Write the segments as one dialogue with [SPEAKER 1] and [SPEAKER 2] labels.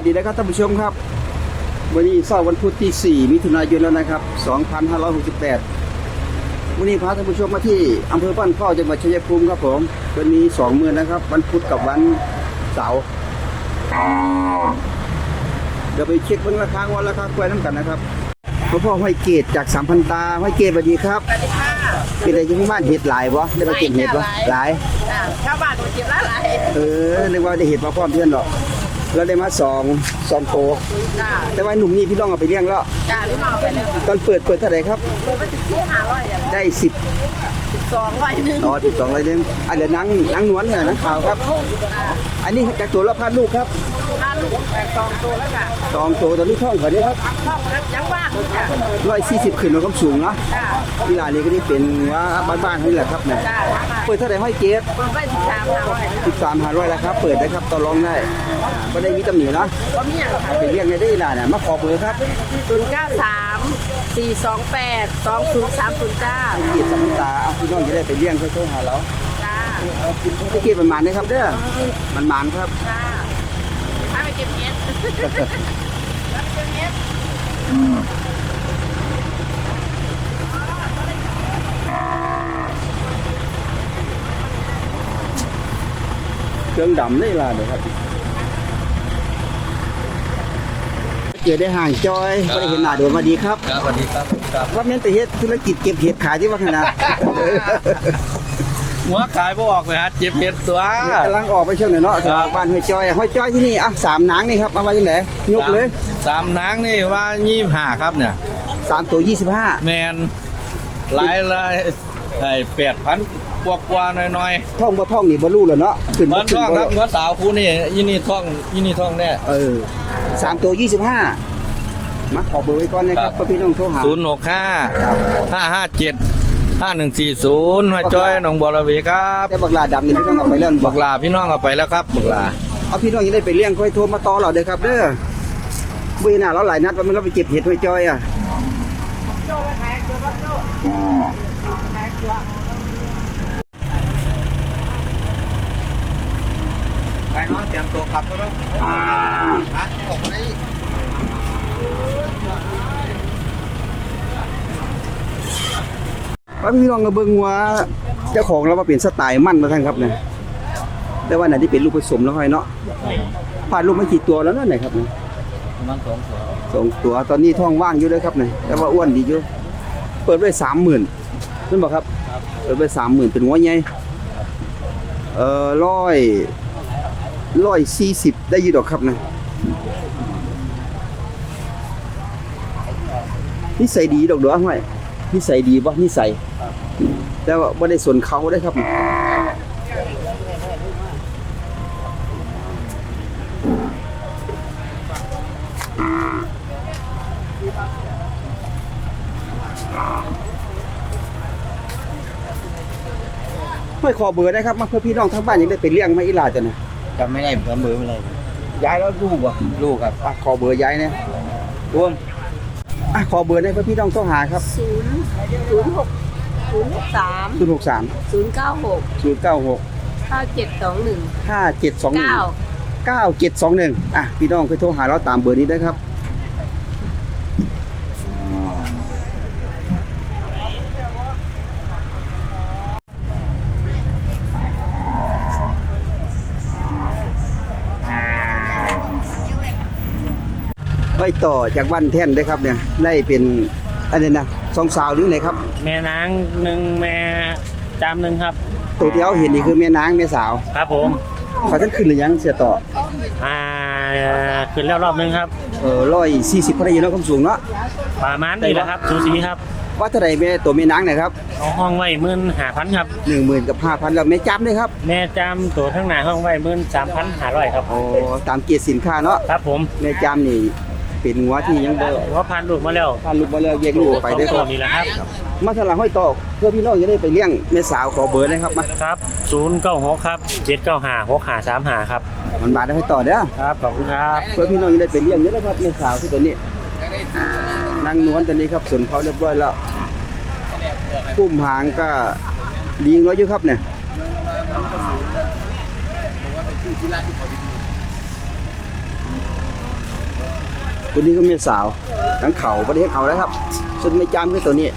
[SPEAKER 1] ดีนะครับท่านผู้ชมครับวันนี้เสาร์วันพุธที่4มิถุนายนแล้วนะครับ2568วันนี้พาท่านผู้ชมมาที่อำเภอบ้านเข้าจังหวัดชัยภูมิครับผมวันนี้2 มื้อนะครับวันพุธกับวันเสาร์เดี๋ยวไปเช็คเบิ่งราคาวันราคากล้วยน้ำกันนะครับพ่อห้อยเกตจาก3,000 ตาห้อยเกตสวัสดีครับ
[SPEAKER 2] สวัสดีค่ะ
[SPEAKER 1] เป็นอะไรที่บ้านเห็ดหลายบ่ได้มาเก็บเห็ดบ่หลาย
[SPEAKER 2] ชาวบ้านมาเก็บหลาย
[SPEAKER 1] เรียกว่าได้เห็ดมาพร้อมเพื่อนหรอกแล้วได้มา2โตแต่ว่าหนุ่มนี่พี่น้องเอาไปเลี้ยงแล้ว
[SPEAKER 2] จ้าพี่น้องไปแล้ว
[SPEAKER 1] ตอนเปิดเท่าไหร่ครับ
[SPEAKER 2] เปิดไป500
[SPEAKER 1] ได้
[SPEAKER 2] 1200นึง
[SPEAKER 1] อ๋อ1200นึงเดี๋ยวนังนวลเนี่ยนังขาวครับอันนี้จากตัวละพันลูกครับ
[SPEAKER 2] ถ้าลูก2ตัวแล้วค่ะ
[SPEAKER 1] 2ตัวตอนนี้ท่องเขาเนี่ยครับ
[SPEAKER 2] ยังว่างจ้
[SPEAKER 1] ะ140ขึ้นมาก็สูงเนาะที่ร้านนี้ก็ได้เป็นว่าบ้านๆนี่แหละครับเนี่ยเปิดเท่าไหร่ห้อยเกศ
[SPEAKER 2] เปิดไป
[SPEAKER 1] 13,500แล้วครับเปิดได้ครับต่อรองได้ก็ได้มีตำหนิเนาะ
[SPEAKER 2] ก็มีอย่างค่ะ
[SPEAKER 1] ไปเรียกได้ล่ะเนี่ยมาขอเบอร์ครับ
[SPEAKER 2] 093 428 2030จ้า
[SPEAKER 1] เกียรติสัมตาพี่น้องจะได้ไปเลี้ยงเขาโทรหาเรา
[SPEAKER 2] จ้า
[SPEAKER 1] เกียรติมันนะครับเด้อมันครับ
[SPEAKER 2] จ้าถ้าไปเก็บเห็ด
[SPEAKER 1] เครื่องดำได้ล่ะเดี๋ยวครับเจอได้ห่างจอยไม่ได้เห็นหน้าโดนมาดีครับ
[SPEAKER 3] สวัสดีครับ
[SPEAKER 1] ว่าแม่นแต่เฮ็ดธุรกิจเก็บเห็ดขายที่ว่าขนาด
[SPEAKER 3] หัวขายบ่ออกเลยฮะเจ็บเห็ดตัว
[SPEAKER 1] กำลังออกไปเช่นเนาะบ้านห้อยจอยที่นี่อ่ะ3 นางนี่ครับเอาไว้ยังไงยกเลย
[SPEAKER 3] 3 นางนี่ว่า25ครับเนี่ย
[SPEAKER 1] 3 ตัว 25
[SPEAKER 3] แมนหลายไอ้8,000กว่าหน่อย
[SPEAKER 1] ท่องบ่ท่องนี่บ่รู้แล้วเนาะขึ้น
[SPEAKER 3] บ่ท่องครับหัวสาวคู่นี่ยี่นี่ท่องแน่
[SPEAKER 1] 3 ตัว 25มาขอเบอร์ไว้ก่อนนะครับเพื่อพี่น้องโทรหา
[SPEAKER 3] 065 540หัวจ้อยหนองบัวระเวครับ
[SPEAKER 1] แต่บักลาดำนี่พี่น้องเอาไปแล้ว
[SPEAKER 3] บักลาพี่น้องเอาไปแล้วครับบักลา
[SPEAKER 1] เอาพี่น้องยังได้ไปเลี้ยงค่อยโทรมาต่อเราเด้อครับเด้อบุ้ยหน้าเราหลายนัดว่ามันเราไปเก็บเห็ดห้อยจอย
[SPEAKER 3] ไปน้องเตรียมตัวขับก็แล้ว
[SPEAKER 1] ว่าพี่น้องก็เบิ่งว่าเจ้าของเรามาเป็นสไตล์มั่นมาทั้งครับเนี่ยแต่ว่าไหนที่เป็นลูกผสมแล้วค่อยเนาะผ่านลูกมากี่ตัวแล้วนั่นไหนครับเนี่ย
[SPEAKER 3] ประมาณ2
[SPEAKER 1] ตัวตอนนี้ท้องว่างอยู่เลยครับเนี่ยแต่ว่าอ้วนดีอยู่เปิดไว้30,000นั่นบอกครับเปิดไว้30,000เป็นหัวใหญ่140ได้อยู่ดอกครับนะนิสัยดีดอกเด้อห้อยนิสัยดีบ่นิสัยแต่ว่าบ่ได้สนเขาได้ครับไม่ขอเบอร์ได้ครับมาเพื่อพี่น้องทั้งบ้านยังได้ไปเลี้ยงมาอีหลาจ้ะนะ
[SPEAKER 3] จำไม่ได้เบอร์ไม่ได้
[SPEAKER 1] ย้ายแล้วลูกครับขอเบอร์ย้ายเนี่ยรวมขอเบอร์ได้เพื่อพี่น้องต้องหาครับ
[SPEAKER 2] 063 096
[SPEAKER 1] 5721พี่น้องไปโทรหาเราตามเบอร์นี้ได้ครับไปต่อจากบ้านแท่นได้ครับเนี่ยได้เป็นอะไรนะ2 สาวหรือไงครับ
[SPEAKER 4] แม่นาง1แม่จาม1ครับ
[SPEAKER 1] ตัวที่เราเห็นนี่คือแม่นางแม่สาว
[SPEAKER 4] ครับผม
[SPEAKER 1] เขาท่านขึ้นหรือยังเสียต่อ
[SPEAKER 4] ขึ้นแล้วรอบนึงครับ
[SPEAKER 1] 140พอได้ยินแล้วความสูงเนาะ
[SPEAKER 4] ประมาณนี้แหละครับสูสีครับ
[SPEAKER 1] ว่าเท่าไหร่แม่ตัวแม่นางเนี่ยครับ
[SPEAKER 4] ห้องไว้15,000ครับ
[SPEAKER 1] 10,000กับ5,000แล้วแม่จำด้วยครับ
[SPEAKER 4] แม่จำตัวทั้งหน้าห้องไว้13,500ครับ
[SPEAKER 1] ตามเกียรติสินค้าเนาะ
[SPEAKER 4] ครับผม
[SPEAKER 1] แม่จำนี่เป็นหัวที่ยัง
[SPEAKER 4] ว่าพันลูกมาแล้ว
[SPEAKER 1] แยกลูกไปได้
[SPEAKER 4] ครับนี่แหละครับ
[SPEAKER 1] มาทางหลังห้อยต่อเพื่อพี่น้องจะได้ไปเลี้ยงแม่สาวขอเบอร์นะครับมา
[SPEAKER 4] ครับ096ครับ795 6535ครับ
[SPEAKER 1] มันบาทได้ห้อยต่อเด้อ
[SPEAKER 4] ครับขอบคุณครับ
[SPEAKER 1] เพื่อพี่น้องจะได้ไปเลี้ยงเยอะนะครับแม่สาวที่ตัวนี้นางนวลตัวนี้ครับส่วนเขาเรียบร้อยแล้วพุ่มหางก็ดีน้อยอยู่ครับเนี่ย
[SPEAKER 3] เ
[SPEAKER 1] ตัวนี้ก็แม่สาวทั้งเขาประเทศเขาแล้วครับส่วนไม่จำคือตัวนี้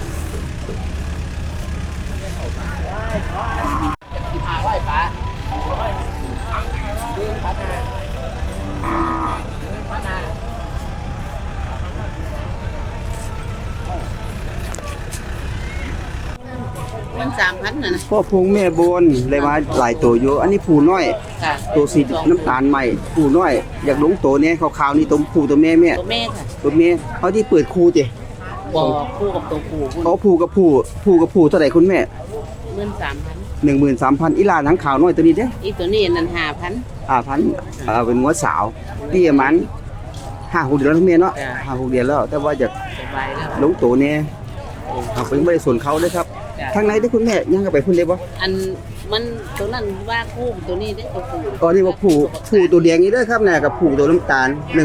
[SPEAKER 2] มัน3,000น่ะนะ
[SPEAKER 1] พ่อพงแม่บนเลยมาหลายตัวอยู่อันนี้ผู้น้อย
[SPEAKER 2] ค่ะ
[SPEAKER 1] ตัวสีน้ำตาลใหม่ผู้น้อยอยากลงตัวเนี้ยขาวๆนี่ตัวผู้ตัวแม่แม่
[SPEAKER 2] ตัวแม่ค่ะ
[SPEAKER 1] ตัวแม่เขาที่เปิดคู่เจ้
[SPEAKER 2] บ่คู่กับตัวผู้
[SPEAKER 1] เขาผู้กับผู้เท่าไหร่คุณแม่
[SPEAKER 2] 13,000
[SPEAKER 1] 13,000อีหลานทั้งขาวน้อยตัวนี้เด้
[SPEAKER 2] อีตัวนี้นั่น5,000
[SPEAKER 1] 5,000เป็นงัวสาวพี่มัน5-6เดือนแล้วทั้งแม่เนาะ
[SPEAKER 2] จ้ะ
[SPEAKER 1] 5-6เดือนแล้วแต่ว่าอยาก
[SPEAKER 2] สบายแล้ว
[SPEAKER 1] ลงตัวเนี่ยเอาเป็นไม่ได้ส่วนเขาเลยครับ
[SPEAKER 2] จ้ะ
[SPEAKER 1] ทางไหนได้คุณแม่ยังก็ไปพุ่นได้บ่
[SPEAKER 2] อันมันตัวนั้นว่าคู่ตัวนี้ได้ตัวผู้
[SPEAKER 1] ตอนนี้ว่าผู้ตัวแดงนี่เด้อครับเนี่ยกับผู้ตัวน้ำตาล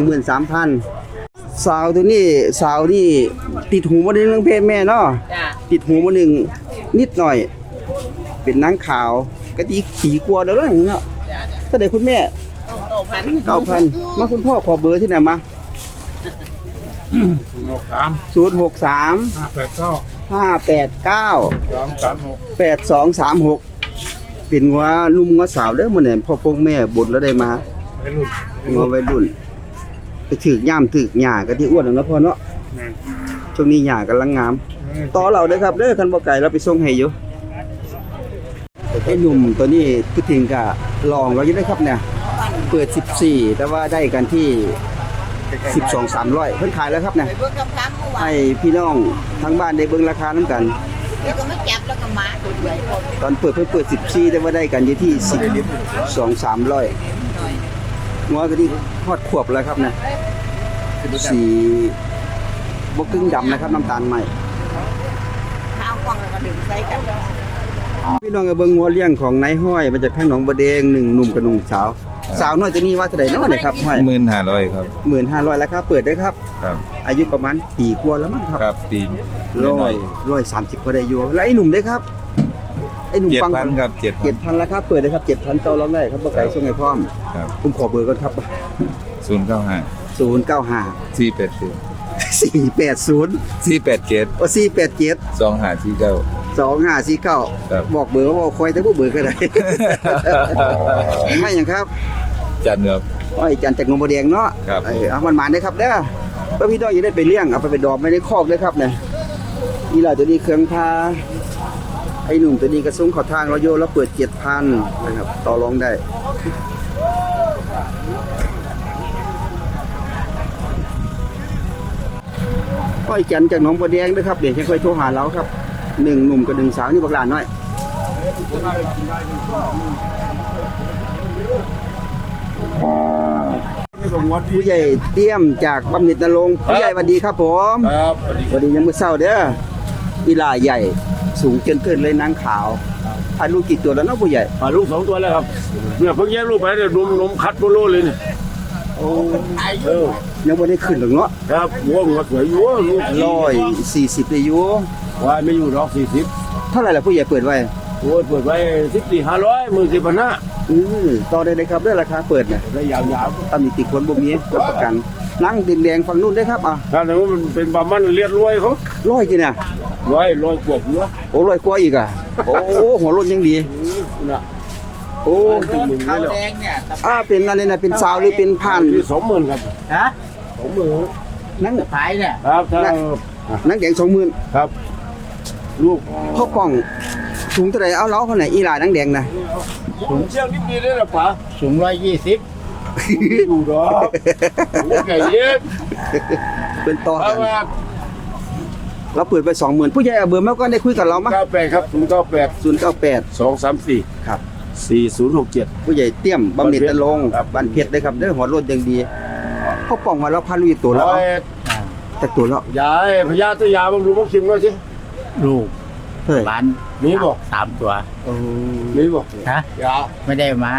[SPEAKER 1] 13,000สาวตัวนี้สาวนี่ติดหูมาหนึ่งเรื่องเพศแม่เนาะ
[SPEAKER 2] จ้ะ
[SPEAKER 1] ติดหูมาหนึ่งนิดหน่อย เป็นนางขาวกะติขี่กลัวเด้อเนาะถ้าได้คุณแม่ 9,000มาคุณพ่อขอเบอร์ที่ไหนมา 063 589 8236เป็นว่านุ่มว่าสาวเด้อมื้อนี้พ่อพงแม่บดแล้วได้มางัววัยรุ่นไปถึกย่ามถึกหญ้าก็ที่อ้วนแล้วเนาะพ่อเนาะช่วงนี้หญ้ากำลังงามต่อเราเด้อครับเด้อคันบ่ไกลเราไปส่งให้อยู่ไอ้หนุ่มตัวนี้พูดถึงก็ลองเราอยู่ได้ครับเนี่ยเปิด14แต่ว่าได้กันที่12-300เพิ่นขายแล้วครับเนี่ย
[SPEAKER 2] ไปเบิ่งคำถามเมื่อวาน
[SPEAKER 1] ให้พี่น้องทั้งบ้านได้เบิ่งราคานํกัน
[SPEAKER 2] แล้วก็มาจับแล้วก็มาตัวใหญ่พอ
[SPEAKER 1] ตอนเปิดเพิ่นเปิด14แต่ว่าได้กันอยู่ที่12-300งัวก็ที่ฮอดขวบแล้วครับนะสีบ่กึ่งดำนะครับน้ำตาลใหม่
[SPEAKER 2] ข้าวกล้องแล้วก็ดึงใส่กัน
[SPEAKER 1] พี่น้องก็เบิ่งงัวเลี้ยงของนายห้อยมาจากข้างหนองบะแดง1หนุ่มกับ1สาวสาวน้อยตัวนี้ว่าเท่าใดเนาะเนี่ยครับห้อย
[SPEAKER 3] 15,000ครับ
[SPEAKER 1] 15,000ราคาเปิดได้ครับ
[SPEAKER 3] ครับ
[SPEAKER 1] อายุประมาณปีกว่าแล้วมั้งครับ
[SPEAKER 3] ครับปีน
[SPEAKER 1] 130ก็ได้อยู่แล้วไอ้หนุ่มเด้ครับไอ้หนุ่มฟัง
[SPEAKER 3] 7,000ครับ
[SPEAKER 1] 7,000ราคาเปิดได้ครับ 7,000ต่อรองได้ครับบ่ไกลส่งให้พร้อม
[SPEAKER 3] 7,000ครับ
[SPEAKER 1] ผมขอเบอร์ก่อนครับ
[SPEAKER 3] 095
[SPEAKER 1] 095
[SPEAKER 3] 480
[SPEAKER 1] 480
[SPEAKER 3] 487
[SPEAKER 1] โอ้487
[SPEAKER 3] 2549
[SPEAKER 1] 2549
[SPEAKER 3] ครับ
[SPEAKER 1] บอกเบอร์ว่าคอยแต่บ่เบอร์ก็ได้ ไม่หยังครับ
[SPEAKER 3] จันครับ
[SPEAKER 1] อ้อยจันจากหนองบัวแดงเนาะ
[SPEAKER 3] ครับ
[SPEAKER 1] เอามันหมานได้ครับเด้อเพื่อพี่น้องอย่าได้ไปเลี้ยงเอาไปดอกไว้ในคอกเลยครับเนี่ยนี่ล่ะตัวนี้เครื่องพาไอ้หนุ่มตัวนี้กระซุ้งขอทางเราโยแล้วเปิด 7,000 นะครับต่อรองได้อ้อยจันจากหนองบัวแดงด้วยครับเดี๋ยวจะค่อยโทรหาเราครับ1หนุ่มกับ1สาวนี่บักหลานน้อยผู้ใหญ่เตี้ยมจากบำเหน็จนรงค์ผู้ใหญ่สวัสดีครับผม
[SPEAKER 3] ครับ
[SPEAKER 1] สวัสดียังมื้อเช้าเด้ออีหลาใหญ่สูงเกินเลยนางขาวอาลูกกี่ตัวแล้วเนาะผู้ใหญ่
[SPEAKER 5] ลูก2 ตัวแล้วครับเนี่ยเพิ่งแยกลูกไปเนี่ยนมคัดโบโลเลยเนี่ยเออ
[SPEAKER 1] ยังบ่ได้ขึ้นหรอกเนาะ
[SPEAKER 5] ครับวัวหัวสวยอยู่ลูก
[SPEAKER 1] 140ได้อยู่
[SPEAKER 5] วายไม่อยู่หรอก
[SPEAKER 1] เท่าไหร่ล่ะผู้ใหญ่เปิดไว้
[SPEAKER 5] 40โอ้ยเปิดไว้14,500 10,500
[SPEAKER 1] ต่อได้เลยครับเด้อราคาเปิดน่ะ
[SPEAKER 5] ได้ยาว
[SPEAKER 1] ตำหนิติคนบ่มีรับประกันนั่งแดงๆฝั่งนู้นได้ครับอ่ะ
[SPEAKER 5] ๆถ้าแต่ว่ามันเป็นบามันเลียดรวยเขา
[SPEAKER 1] 100กี่น่ะ
[SPEAKER 5] รวยกว่าหัว
[SPEAKER 1] โอ้100กว่าอีกอ่ะโอ้หัวรถยังดี
[SPEAKER 5] น่ะ
[SPEAKER 1] โอ้
[SPEAKER 5] ถึงมึงได้หรอ
[SPEAKER 1] เป็นอันนี้น่ะเป็นสาวหรือเป็นพัน
[SPEAKER 5] ที่20,000ครับ
[SPEAKER 2] ฮะ
[SPEAKER 5] 20,000
[SPEAKER 1] นั่ง
[SPEAKER 2] ขายเนี่ย
[SPEAKER 5] ครับถ้า
[SPEAKER 1] นั่งแดง20,000
[SPEAKER 5] ครับลูก
[SPEAKER 1] พ่อกล่องสูงเท่าไหร่เอาเล้าเขาไหนอีหลานังแดงนะ
[SPEAKER 5] ผมเชี่ยวนิดเดียวได้หรอป๋า
[SPEAKER 2] สูง120
[SPEAKER 5] ดูดอกไก่เย็บ
[SPEAKER 1] เป็นต่อ
[SPEAKER 5] เพ
[SPEAKER 1] กั
[SPEAKER 5] ราะ
[SPEAKER 1] น
[SPEAKER 5] ว่า
[SPEAKER 1] เราเปิดไป 20,000ผู้ใหญ่เอาเบอร์มาก็ได้คุยกับเรามั้ย
[SPEAKER 5] 98ครับ098
[SPEAKER 1] 098
[SPEAKER 5] 234
[SPEAKER 1] ครับ
[SPEAKER 5] 4067
[SPEAKER 1] ผู้ใหญ่เตี้ยมบำเหน็จนรงค์
[SPEAKER 5] ครับ
[SPEAKER 1] บ้านเพชรเลยครับเด้อหัวรถยังดีพ่อกล่องมาแล้วพันลุยตัวแล้วเอาแต่ตัวแล้ว
[SPEAKER 5] ยายพญาตยาบำรุงบำชิมหน่อยสิ
[SPEAKER 6] ลูก
[SPEAKER 1] เฮ้ย
[SPEAKER 6] ร้าน
[SPEAKER 5] มีบอก
[SPEAKER 6] 3 ตัว
[SPEAKER 1] โอ้
[SPEAKER 5] มีบอก
[SPEAKER 6] ฮะ
[SPEAKER 5] ยา
[SPEAKER 6] ไม่ได้มา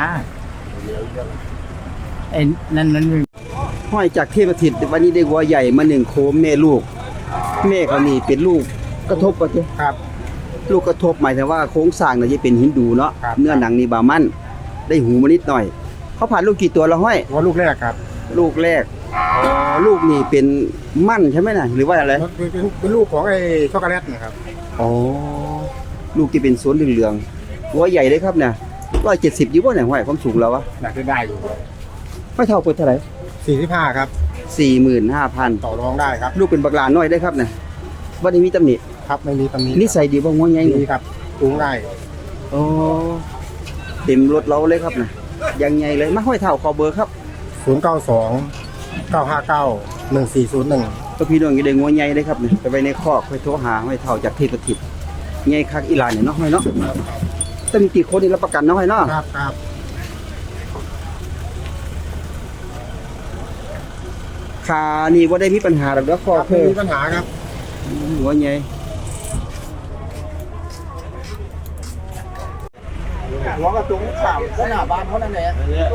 [SPEAKER 6] ไอ้นั่นมัน
[SPEAKER 1] ห้อยจากเทพทิศวันนี้ได้วัวใหญ่มา1โคมแม่ลูกแม่เขานี่เป็นลูกกระทบป่ะเจ้
[SPEAKER 6] ครับ
[SPEAKER 1] ลูกกระทบหมายถึงว่าโครงสร้างน่ะจะเป็นฮินดูเนาะ
[SPEAKER 6] ครับ
[SPEAKER 1] เนื้อหนังนี่บามันได้หูมานิดหน่อยเขาผ่านลูกกี่ตัวแล้วห้อย
[SPEAKER 6] ว่าลูกแรกครับ
[SPEAKER 1] ลูกแรกอ๋อลูกนี่เป็นมั่นใช่ไหมน่ะหรือว่าอะไร
[SPEAKER 7] เป็นลูกของไอ้ช็อกโกแลตนะครับ
[SPEAKER 1] อ๋อลูกที่เป็นสวนเหลืองๆตัวใหญ่เลยครับเนี่ย170อยู่บ่เนี่ยห้อยความสูงเราวะ
[SPEAKER 7] น่าจะได้อยู่
[SPEAKER 1] ไม่เท่าเปิดเท่าไหร่
[SPEAKER 7] 45ครับ
[SPEAKER 1] 45,000
[SPEAKER 7] ต่อรองได้ครับ
[SPEAKER 1] ลูกเป็นบักหลาน้อยได้ครับเนี่ยบ่ได้มีตำหนิ
[SPEAKER 7] ครับไม่มีตำหนิ
[SPEAKER 1] นิสัยดีบ่งัวใหญ่
[SPEAKER 7] ดีครับสูงได้
[SPEAKER 1] อ๋อเต็มรถเราเลยครับน่ะยังใหญ่เลยมาห้อยเท่าขอเบอร์ครับ
[SPEAKER 7] 092 959 1401
[SPEAKER 1] ก็พี่น้องอยู่ได้งัวใหญ่เลยครับเนี่ยไปไว้ในคอกไปโทรหาห้อยเท่าจากเทพทิพย์ใหญ่คักอีหลานเนี่ยเนาะห้อยเนาะต้องมีกี่คนนี่รับประกันเนาะห้อยเนาะ
[SPEAKER 7] ครับครับ
[SPEAKER 1] ขานี่บ่ได้มีปัญหาดอกเด้อคอ
[SPEAKER 7] ครับ
[SPEAKER 1] เพิ่
[SPEAKER 7] ไม่
[SPEAKER 1] น
[SPEAKER 7] มีปัญหาครับ
[SPEAKER 1] หัวใหญ่หัวกระจุงสามขนาดบ้านเขานั่นแหละ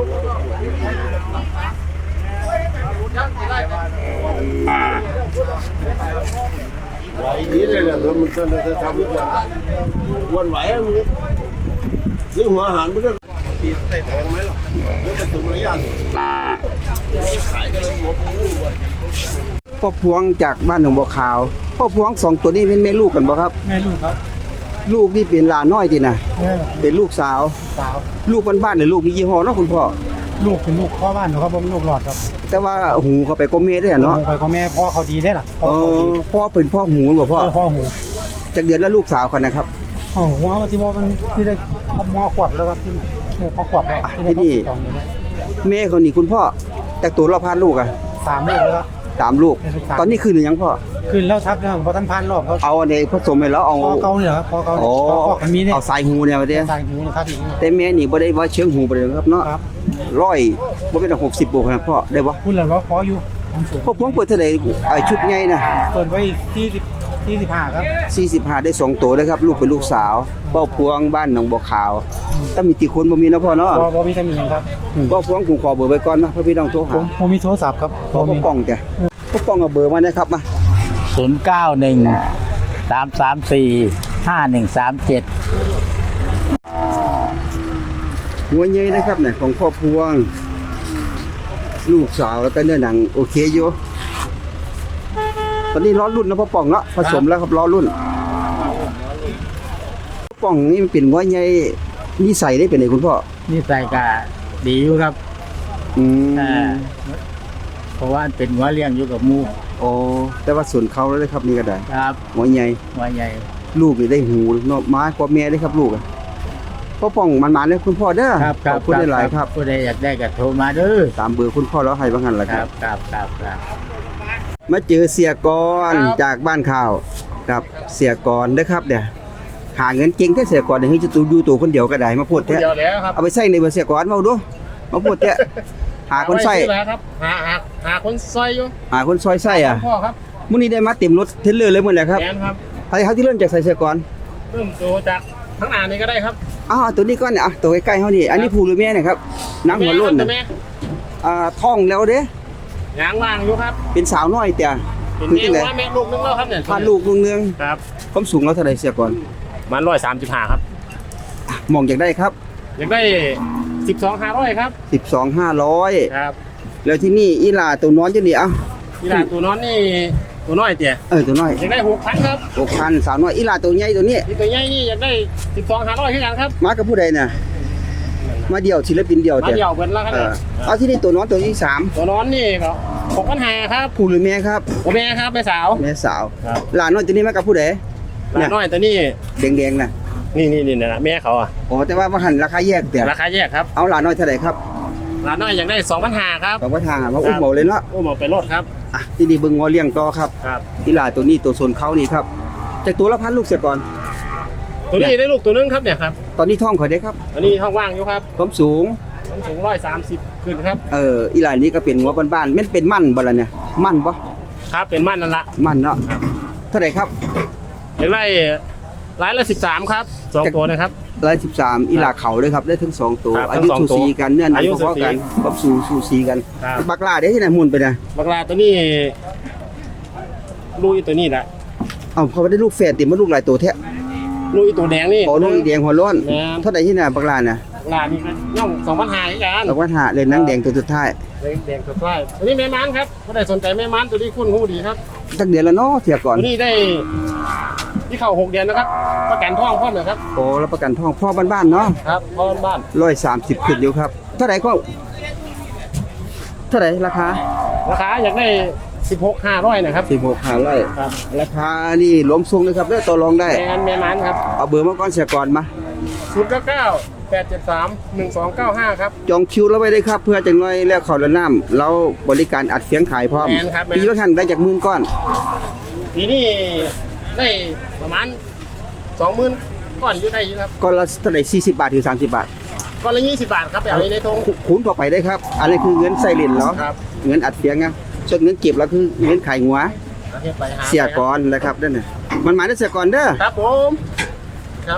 [SPEAKER 5] ไหวนี้เลยเนี่ยมันจะทำยังไงวันไหวมึงซื้อหัวอาหารไม่ได้ตีใส่แพงไหมหรอแล้วจะถึงระยะ
[SPEAKER 1] พ่อพวงจากบ้านหนองบัวขาวพ่อพวงสองตัวนี้เป็นแม่ลูกกันบ่ครับ
[SPEAKER 7] แม่ลูกครับ
[SPEAKER 1] ลูกนี่เป็นหลานน้อยติน่ะ
[SPEAKER 7] แม่
[SPEAKER 1] เป็นลูกสาว
[SPEAKER 7] สาว
[SPEAKER 1] ลูกบ้านๆหรือลูกมียี่ห้อเนาะคุณพ่อ
[SPEAKER 7] ลูกเป็นลูกพ่อบ้านนะครับผมลูกหลอดครับ
[SPEAKER 1] แต่ว่าหูเขาไปก็เมได้เนาะ
[SPEAKER 7] ไปของแม่พ่อเขาดีได้ล่ะ
[SPEAKER 1] เออพ่อเป็นพ่อหูบ่พ่อ
[SPEAKER 7] พ่อหู
[SPEAKER 1] จากเดือนแล้วลูกสาวกันนะครับ
[SPEAKER 7] อ๋อหัวที่ว่ามันที่ได้มอขวบแล้วครับที่พอขวบแล้ว
[SPEAKER 1] ที่นี่ แม่เขานี่คุณพ่อจากตัวเราพานลูกอ่ะ
[SPEAKER 7] 3 ลูกแล้วครับ
[SPEAKER 1] ตามลูก ตอนนี้คือหรือยังพ่อ
[SPEAKER 7] ขึ้นแล้วทับนะครับเพราะท่านพานรอบเขา
[SPEAKER 1] เอาอันใดผสมไปแล้วเอา
[SPEAKER 7] พอเกาเนี่ยครับพอเกา
[SPEAKER 1] อ๋อ
[SPEAKER 7] พอมันมีเนี่ย
[SPEAKER 1] เอาสายหูเนี่ยมาเด้
[SPEAKER 7] ใส่หูนะครับอีก
[SPEAKER 1] แต่แม่นี่บ่ได้ว่าเชิงหูไปเลยครับเนาะ
[SPEAKER 7] ครับ
[SPEAKER 1] ร้อยบ่เป็น60บวกนะพ่อได้บ่
[SPEAKER 7] พูดแล้วว่าพออยู่ผมสูง
[SPEAKER 1] พ่อพวงเปิดเท่าไหร่ไอ้ชุดใหญ่น่ะ
[SPEAKER 7] เปิดไว้45ครับ
[SPEAKER 1] 45ได้2ตัวเลยครับลูกเป็นลูกสาวพ่อพวงบ้านหนองบัวขาวถ้ามีกี่คนบ่มีนะพ่อเนาะ
[SPEAKER 7] พอมีตำหนิครับ
[SPEAKER 1] พ่อพวงผมขอเบอร์ไว้ก่อนนะเพื่อพี่น้องโทรหา
[SPEAKER 7] ผมมีโทรศัพท์ครับ
[SPEAKER 1] พ่อปองจ้ะพ่อปองเอาเบอร์มานะครับมา
[SPEAKER 6] 091 334 5137
[SPEAKER 1] หัวใหญ่นะครับเนี่ยของพ่อพวง ลูกสาวแล้วก็เนื้อหนังโอเคอยู่ตอนนี้ล้อรุ่นนะพ่อปองเนาะผสมแล้วครับล้อรุ่นพ่อปองนี่มันเป็นหัวใหญ่นิสัยได้เป็นไงคุณพ่อ
[SPEAKER 6] นี่ใส่กะดีอยู่ครับ
[SPEAKER 1] อืม
[SPEAKER 6] เพราะว่าเป็นหัวเลี้ยงอยู่กับหมู
[SPEAKER 1] โอ้แต่ว่าส่วนเขาแล้วเลยครับนี่ก็ได้
[SPEAKER 6] ครับ
[SPEAKER 1] หัวใหญ่
[SPEAKER 6] หัวใหญ่
[SPEAKER 1] ลูกนี่ได้หูเนาะม้ากว่าแม่ได้ครับลูกอะพ่อป่องมันๆเลยคุณพ่อเด้อ
[SPEAKER 6] ครับ
[SPEAKER 1] ขอบคุณได้หลายครับ
[SPEAKER 6] ผู้ใดอยากได้ก็โทรมาเด้อ
[SPEAKER 1] ตามเบอร์คุณพ่อแล้วให้บ้างกันละ
[SPEAKER 6] ค
[SPEAKER 1] ค
[SPEAKER 6] รั
[SPEAKER 1] รั
[SPEAKER 6] บบ ครับ
[SPEAKER 1] มาเจอเสียกรจากบ้านข่าวกับเสียกรเด้อครับเดี๋ยวหาเงินเก่งแค่เสียกรเดี๋ยวให้จะตูดูตัวคนเดียวก็ได้มาพูดแท้
[SPEAKER 7] เดียวแล้วครับ
[SPEAKER 1] เอาไปใส่ในเบอร์เสียกรมาดูมาพูดแท้หาคนใส่
[SPEAKER 7] แล้วครับหาคนซอยอยู่
[SPEAKER 1] หาคนซอยใส่อ่ะ
[SPEAKER 7] พ่อครับ
[SPEAKER 1] มื้อนี้ได้มาเต็มรถเทรลเลอร์เลยมื้อแหละครับ
[SPEAKER 7] แอนครับ
[SPEAKER 1] ใครเขาที่เริ่มจากใส่เสียกร
[SPEAKER 7] เริ่มโตจากทั้งหน้านี้ก็ได้ครับ
[SPEAKER 1] อ้าวตัวนี้ก่อนเนี่ยอ่ะตัวใกล้ๆเฮานี่อันนี้ผู้หรือแม่เนี่ยครับนางหัวโล้นน่ะ
[SPEAKER 7] แม่
[SPEAKER 1] ท้องแล้วเด้
[SPEAKER 7] ยางว่างอยู่ครับ
[SPEAKER 1] เป็นสาวน้อยแต่
[SPEAKER 7] เป็น
[SPEAKER 1] คือ
[SPEAKER 7] แม่
[SPEAKER 1] จังได๋
[SPEAKER 7] ว่าแม่ลูกนึงแล้วครับเนี่ย
[SPEAKER 1] พาลูกลุงเนือง
[SPEAKER 7] ครับ
[SPEAKER 1] ความสูงเราเท่าใดเสียก่อน
[SPEAKER 7] มัน135ครับ
[SPEAKER 1] มองอยากได้ครับ
[SPEAKER 7] อยากได้12,500ครับ
[SPEAKER 1] 12,500
[SPEAKER 7] ครับ
[SPEAKER 1] แล้วที่นี่อีหลาตัวน้อยจังนี่เอ้า
[SPEAKER 7] นี่ล่ะตัวน้อยนี่ตัวน้อยเตี่ย
[SPEAKER 1] ตัวน้อย
[SPEAKER 7] อยากได้6,000ครับ
[SPEAKER 1] 6,000สาวน้อยอีหลาตัวใหญ่ตัวนี้
[SPEAKER 7] นี่ตัวใหญ่นี่อยากได้12,500คือกันครับ
[SPEAKER 1] มากับผู้ใดน่ะมาเดี่ยวศิลปินเดี่ยว
[SPEAKER 7] มา
[SPEAKER 1] จ้ะ
[SPEAKER 7] เดี่ยวเพิ่นแล้วครับ
[SPEAKER 1] เอาที่นี่ตัวน้อยตัวที่สาม
[SPEAKER 7] ตัวน้อยนี่ก็6,500ครับ
[SPEAKER 1] ผู้หรือแม่ครับ
[SPEAKER 7] โอแม่ครับแม่สาว
[SPEAKER 1] แม่สาว
[SPEAKER 7] ครับ
[SPEAKER 1] หลานน้อยตัวนี้มากับผู้ใด
[SPEAKER 7] หลานน้อยตัวนี้
[SPEAKER 1] แดงๆน่ะ
[SPEAKER 7] นี่นะแม่เขาอ่ะ
[SPEAKER 1] อ๋อแต่ว่าหันราคาแยกแต่
[SPEAKER 7] ราคาแยกครับ
[SPEAKER 1] เอาหลานน้อยเท่าไหร่ครับ
[SPEAKER 7] หลานน้อยอยากได้2,500ครับ
[SPEAKER 1] บอกว่าทางว่าอุ้มเบาเลยเนาะ
[SPEAKER 7] โอ้หมอไปรถครับ
[SPEAKER 1] อ่ะที่นี่เบิ่งงัวเลี้ยงต่อครับ
[SPEAKER 7] ครับ
[SPEAKER 1] อีหลาตัวนี้ตัวโซนเขานี่ครับจากตัวละพันลูกเสียก่อน
[SPEAKER 7] ตัวนี้ได้ลูกตัวนึงครับเนี่ยครับ
[SPEAKER 1] ตอนนี้ท้องเขาได้ครับ
[SPEAKER 7] อันนี้ท้องว่างอยู่ครับ
[SPEAKER 1] ความสูง
[SPEAKER 7] ผมสูง130ขึ้นครับ
[SPEAKER 1] อีหลานนี้ก็เป็นหัวบ้านๆแม่นเป็นมั่นบ่ล่ะเนี่ยมั่นบ่
[SPEAKER 7] ครับเป็นม่านนั่นละ
[SPEAKER 1] มั่นเนาะเท่าไหร่ครับ
[SPEAKER 7] อยากได้รายละ13ครับ2ตัวนะครับ
[SPEAKER 1] 113อีหลาเขาเลยครับได้ทั้งสองตัว
[SPEAKER 7] ครับ
[SPEAKER 1] อายุ
[SPEAKER 7] ทั้งสอง
[SPEAKER 1] สูสีกันเนื้อหนัง
[SPEAKER 7] อายุ
[SPEAKER 1] พอๆกัน
[SPEAKER 7] สูสี
[SPEAKER 1] ความสูสีกัน
[SPEAKER 7] ครับ
[SPEAKER 1] บักลาได้ที่ไหนหมุนไปนะ
[SPEAKER 7] บักลาตัวนี้ลูกอีตัวนี้แหละ
[SPEAKER 1] เอาเขาได้ลูกแฝดติมาลูกหลายตัวแท้
[SPEAKER 7] ลูกอีตัวแดงนี่
[SPEAKER 1] ขอลูกอีแดงหัวโล้น
[SPEAKER 7] แม่น
[SPEAKER 1] เท่าไหร่ที่ไหนบักลาน่ะ
[SPEAKER 7] บัลานี่ย่อง2,500กัน
[SPEAKER 1] เราว่าหาเลยนางแดงตัวสุดท้าย
[SPEAKER 7] แดงสุดท้ายตัวนี้แม่ม้านครับก็ได้สนใจแม่ม้านตัวนี้คุ้นหูดีครับ
[SPEAKER 1] สักเดือนแล้วเนาะเสียก่อน
[SPEAKER 7] ตัวนี้ได้ที่เข้า6 เดือนนะครับประกันท้องพร้อมเลยครับ
[SPEAKER 1] โอ้รับประกันทองพ่อบ้านๆเนาะ
[SPEAKER 7] ครับพ่อบ้าน
[SPEAKER 1] 130ขึ้นอยู่ครับเท่าไหร่ก็เท่าไหร่ราคา
[SPEAKER 7] ราคาอยากได้16,500นะครับ
[SPEAKER 1] 16,500
[SPEAKER 7] ครับ
[SPEAKER 1] ราคานี่รวมส่งเลยครับเด้อต่อรองได้
[SPEAKER 7] แม่ม้านครับ
[SPEAKER 1] เอาเบอร์มาก่อนเสียก่อนมา
[SPEAKER 7] 098731295ครับ
[SPEAKER 1] จองคิวแล้วไว้ได้ครับ เพื่อจังน้อยแล้วเขาละน้ำเราบริการอัดเสียงขายพร้อม
[SPEAKER 7] แม่นครับแม่น
[SPEAKER 1] ปีละท่านได้จากหมื่นก้อน
[SPEAKER 7] ทีนี้ได้ประมาณ20,000ก้อนอยู่ได้อยู่ครับ
[SPEAKER 1] ก้อนละเท่าไหร่40 บาทถึง30 บาท
[SPEAKER 7] ก้อนละ20 บาทครับไปเอาในทง
[SPEAKER 1] คูณต่อไปได้ครับอันนี้คือเงินใส่เหรียญเหรอ
[SPEAKER 7] ครับ
[SPEAKER 1] เงินอัดเสียงนะส่วนเงินเก็บแล้วคือเงินขายหัว
[SPEAKER 7] เอาไปหา
[SPEAKER 1] เสียก่อนนะครับนั่นน่ะมันหมายถึงเสียก่อนเด้อ
[SPEAKER 7] ครับผมครับ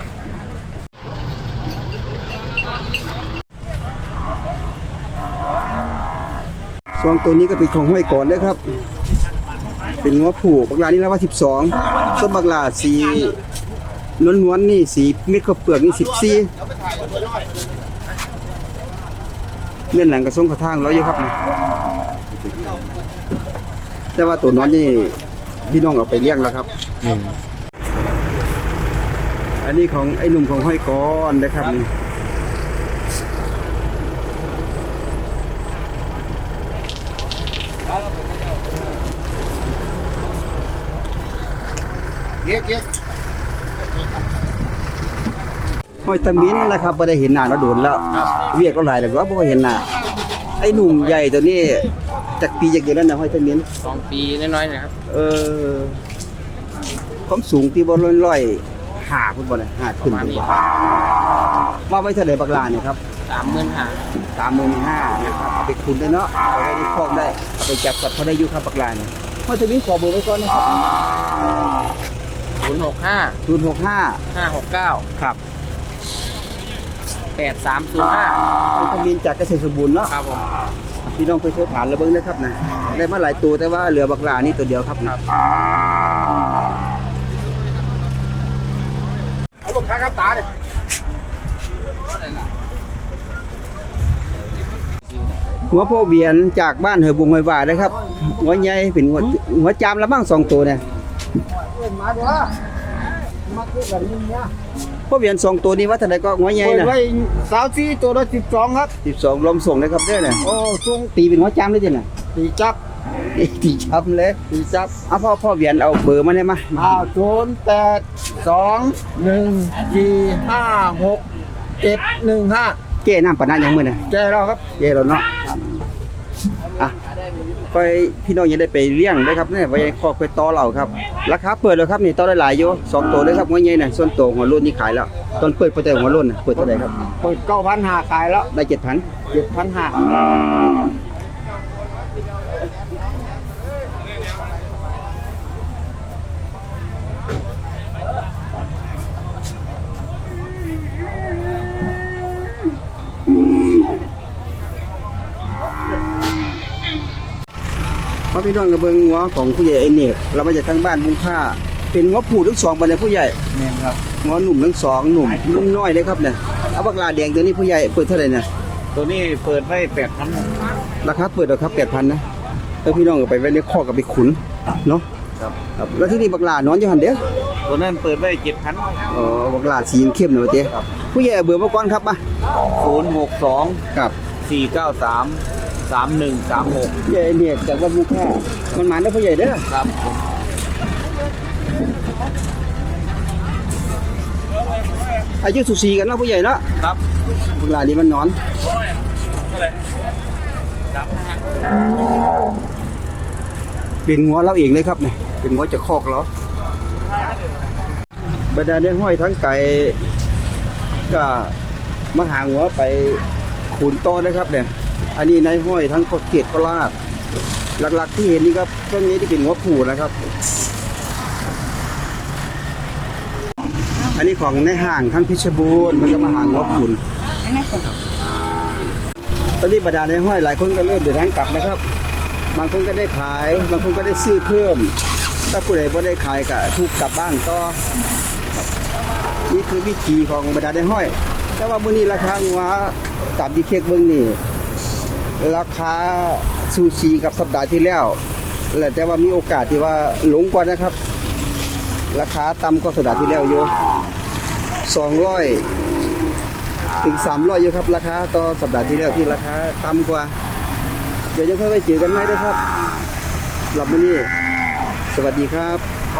[SPEAKER 1] ซองตัวนี้ก็เป็นของห้อยก่อนเด้อครับ เป็นงัวผูกบักลานี่แล้วว่า12ต้นบักลาสีนวลๆนี่สีเม็ดข้าวเปลือกนี่14เม่นหลังกระทรงกระทางแล้วอยู่ครับนี่แต่ว่าตัวนอนนี่พี่น้องเอาไปเลี้ยงแล้วครับอันนี้ของไอ้หนุ่มของห้อยก้อนนะครับนี่ห้อยตะมิ้นนะครับไม่ได้เห็นหน้าเราโดนแล้วเวียกเราหลายแล้วก็บ่เห็นหน้าไอ้หนุ่มใหญ่ตัวนี้จากปีจากเดือนนั้นนะห้อยตะมิ้น
[SPEAKER 6] 2 ปีน้อยๆนะครับ
[SPEAKER 1] ความสูงที่บ่ร้อยหาพุ่นบ่น่ะหาขึ้นพุ่นบ่ว่าไว้เท่าใดบักลาเนี่ยครับ
[SPEAKER 6] 35,000
[SPEAKER 1] 35,000นะครับเอาไปคุณได้เนาะเอาไว้ในคอกได้เอาไปจับสัตว์เขาได้อยู่ครับบักลาเนี่ยห้อยตะมิ้นขอเบอร์ไว้ก่อนนะครับ
[SPEAKER 6] 065
[SPEAKER 1] 065
[SPEAKER 6] 569
[SPEAKER 1] ครับ
[SPEAKER 6] 8305
[SPEAKER 1] ห้อยตะมิ้นจากเกษตรสมบูรณ์เนาะ
[SPEAKER 6] ครับผม
[SPEAKER 1] พี่น้องไปโทรถามแล้วเบิ่งนะครับนะได้มาหลายตัวแต่ว่าเหลือบักลานี่ตัวเดียวครับนะ
[SPEAKER 7] เอาลูกค้าครับตาเนี่ย
[SPEAKER 1] หัวโพเวียนจากบ้านเหอบุงห้วยหวานะครับหัวใหญ่เป็นหัวจามละบ้าง2ตัวเนี่ย
[SPEAKER 7] มาเด้อมาคือแบบนี้เนี่ย
[SPEAKER 1] โพเวียน2ตัวนี้ว่าเท่าใดก็หัวใหญ่น่ะ
[SPEAKER 7] ไว้24ตัวละ12ครับ
[SPEAKER 1] 12ลมส่งเลยครับเด้อเนี่ย
[SPEAKER 7] โอ้ส่ง
[SPEAKER 1] ตีเป็นหัวจามเลยจ้ะน่ะ
[SPEAKER 7] ตีจับ
[SPEAKER 1] ตีช้ำเลย
[SPEAKER 7] ตีจับ
[SPEAKER 1] เอาพ่อเวียนเอาเบอร์มาได้มา
[SPEAKER 7] 0821456715
[SPEAKER 1] เก้น้ำปะนะยังมื้อน่ะ
[SPEAKER 7] แกเราครับ
[SPEAKER 1] เก้แล้วเนาะอ่ะไปพี่น้องอย่าได้ไปเลี้ยงได้ครับเนี่ยไว้คอกไปต่อเราครับราคาเปิดแล้วครับนี่ต่อได้หลายอยู่2ตัวเลยครับหัวใหญ่น่ะส่วนตัวหัวรุ่นนี่ขายแล้วตอนเปิดแต่หัวรุ่นน่ะเปิดเท่าไหร่ครับ
[SPEAKER 7] เปิด9,500ขายแล้ว
[SPEAKER 1] ได้ 7,000
[SPEAKER 7] 7,500
[SPEAKER 1] พอพี่น้องกับเบิ่งหัวของผู้ใหญ่ไอ้เนกเรามาจากทางบ้านบุงค่าเป็นหัวผู้ทั้งสองบัดนี้ผู้ใหญ่
[SPEAKER 6] แม่นครับ
[SPEAKER 1] หัวหนุ่มทั้งสองหนุ่มนุ่มน้อยเลยครับเนี่ยเอาบักลาแดงตัวนี้ผู้ใหญ่เปิดเท่าไหร่เนี่ย
[SPEAKER 3] ตัวนี้เปิดไว้8,000
[SPEAKER 1] ราคาเปิดเอาครับ8,000นะแล้วพี่น้องก็ไปไว้ในคอกกับไปขุนเนาะ
[SPEAKER 3] ครับ
[SPEAKER 1] ครับแล้วที่นี่บักลานอนอยู่หั่นเด้อ
[SPEAKER 3] ตัวนั้นเปิดไว้7,000
[SPEAKER 1] อ๋อบักลาสีเข้มๆหน่อยเด้ผู้ใหญ่เอาเบอร์มาก่อนครับมา
[SPEAKER 3] 062
[SPEAKER 1] ครับ
[SPEAKER 3] 493 3136
[SPEAKER 1] ผู้ใหญ่ไอ้เนกจากบ้านบุงค่ามันมาแล้วผู้ใหญ่เด้อ
[SPEAKER 3] ครับ
[SPEAKER 1] อายุสุสีกันเนาะผู้ใหญ่เนาะ
[SPEAKER 3] ครับ
[SPEAKER 1] บักลานี่มันนอนเป็นหัวเราเองเลยครับเนี่ยเป็นหัวจะคอกเราบรรดาเนี่ยห้อยทั้งไก่ก็มาหาหัวไปขุนต้อนะครับเนี่ยอันนี้ในห้อยทั้งเกียรติโคราชหลักๆที่เห็นนี่ครับต้นนี้ที่เป็นหัวผูนะครับ อันนี้ของในห้างทั้งเพชรบูรณ์มันก็มาหาหัวขุนตอนนี้บรรดาในห้อยหลายคนก็เริ่มเดินทางกลับนะครับ บางคนก็ได้ขายบางคนก็ได้ซื้อเพิ่มถ้าผู้ใดไม่ได้ขายก็ถูกกลับบ้านก็นี่คือวิธีของบรรดาในห้อยแต่ว่ามื้อนี้ราคางัวตามที่เช็คเบิ่งนี่ราคาซูชิกับสัปดาห์ที่แล้วแต่ว่ามีโอกาสที่ว่าลงกว่านะครับ ราคาต่ำกว่าสัปดาห์ที่แล้วอยู่200ถึง300อยู่ครับราคาต่อสัปดาห์ที่แล้วที่ราคาต่ำกว่าเดี๋ยวจะค่อยไปเจอกันใหม่ด้วยครับสำหรับมื้อนี้สวัสดีครับ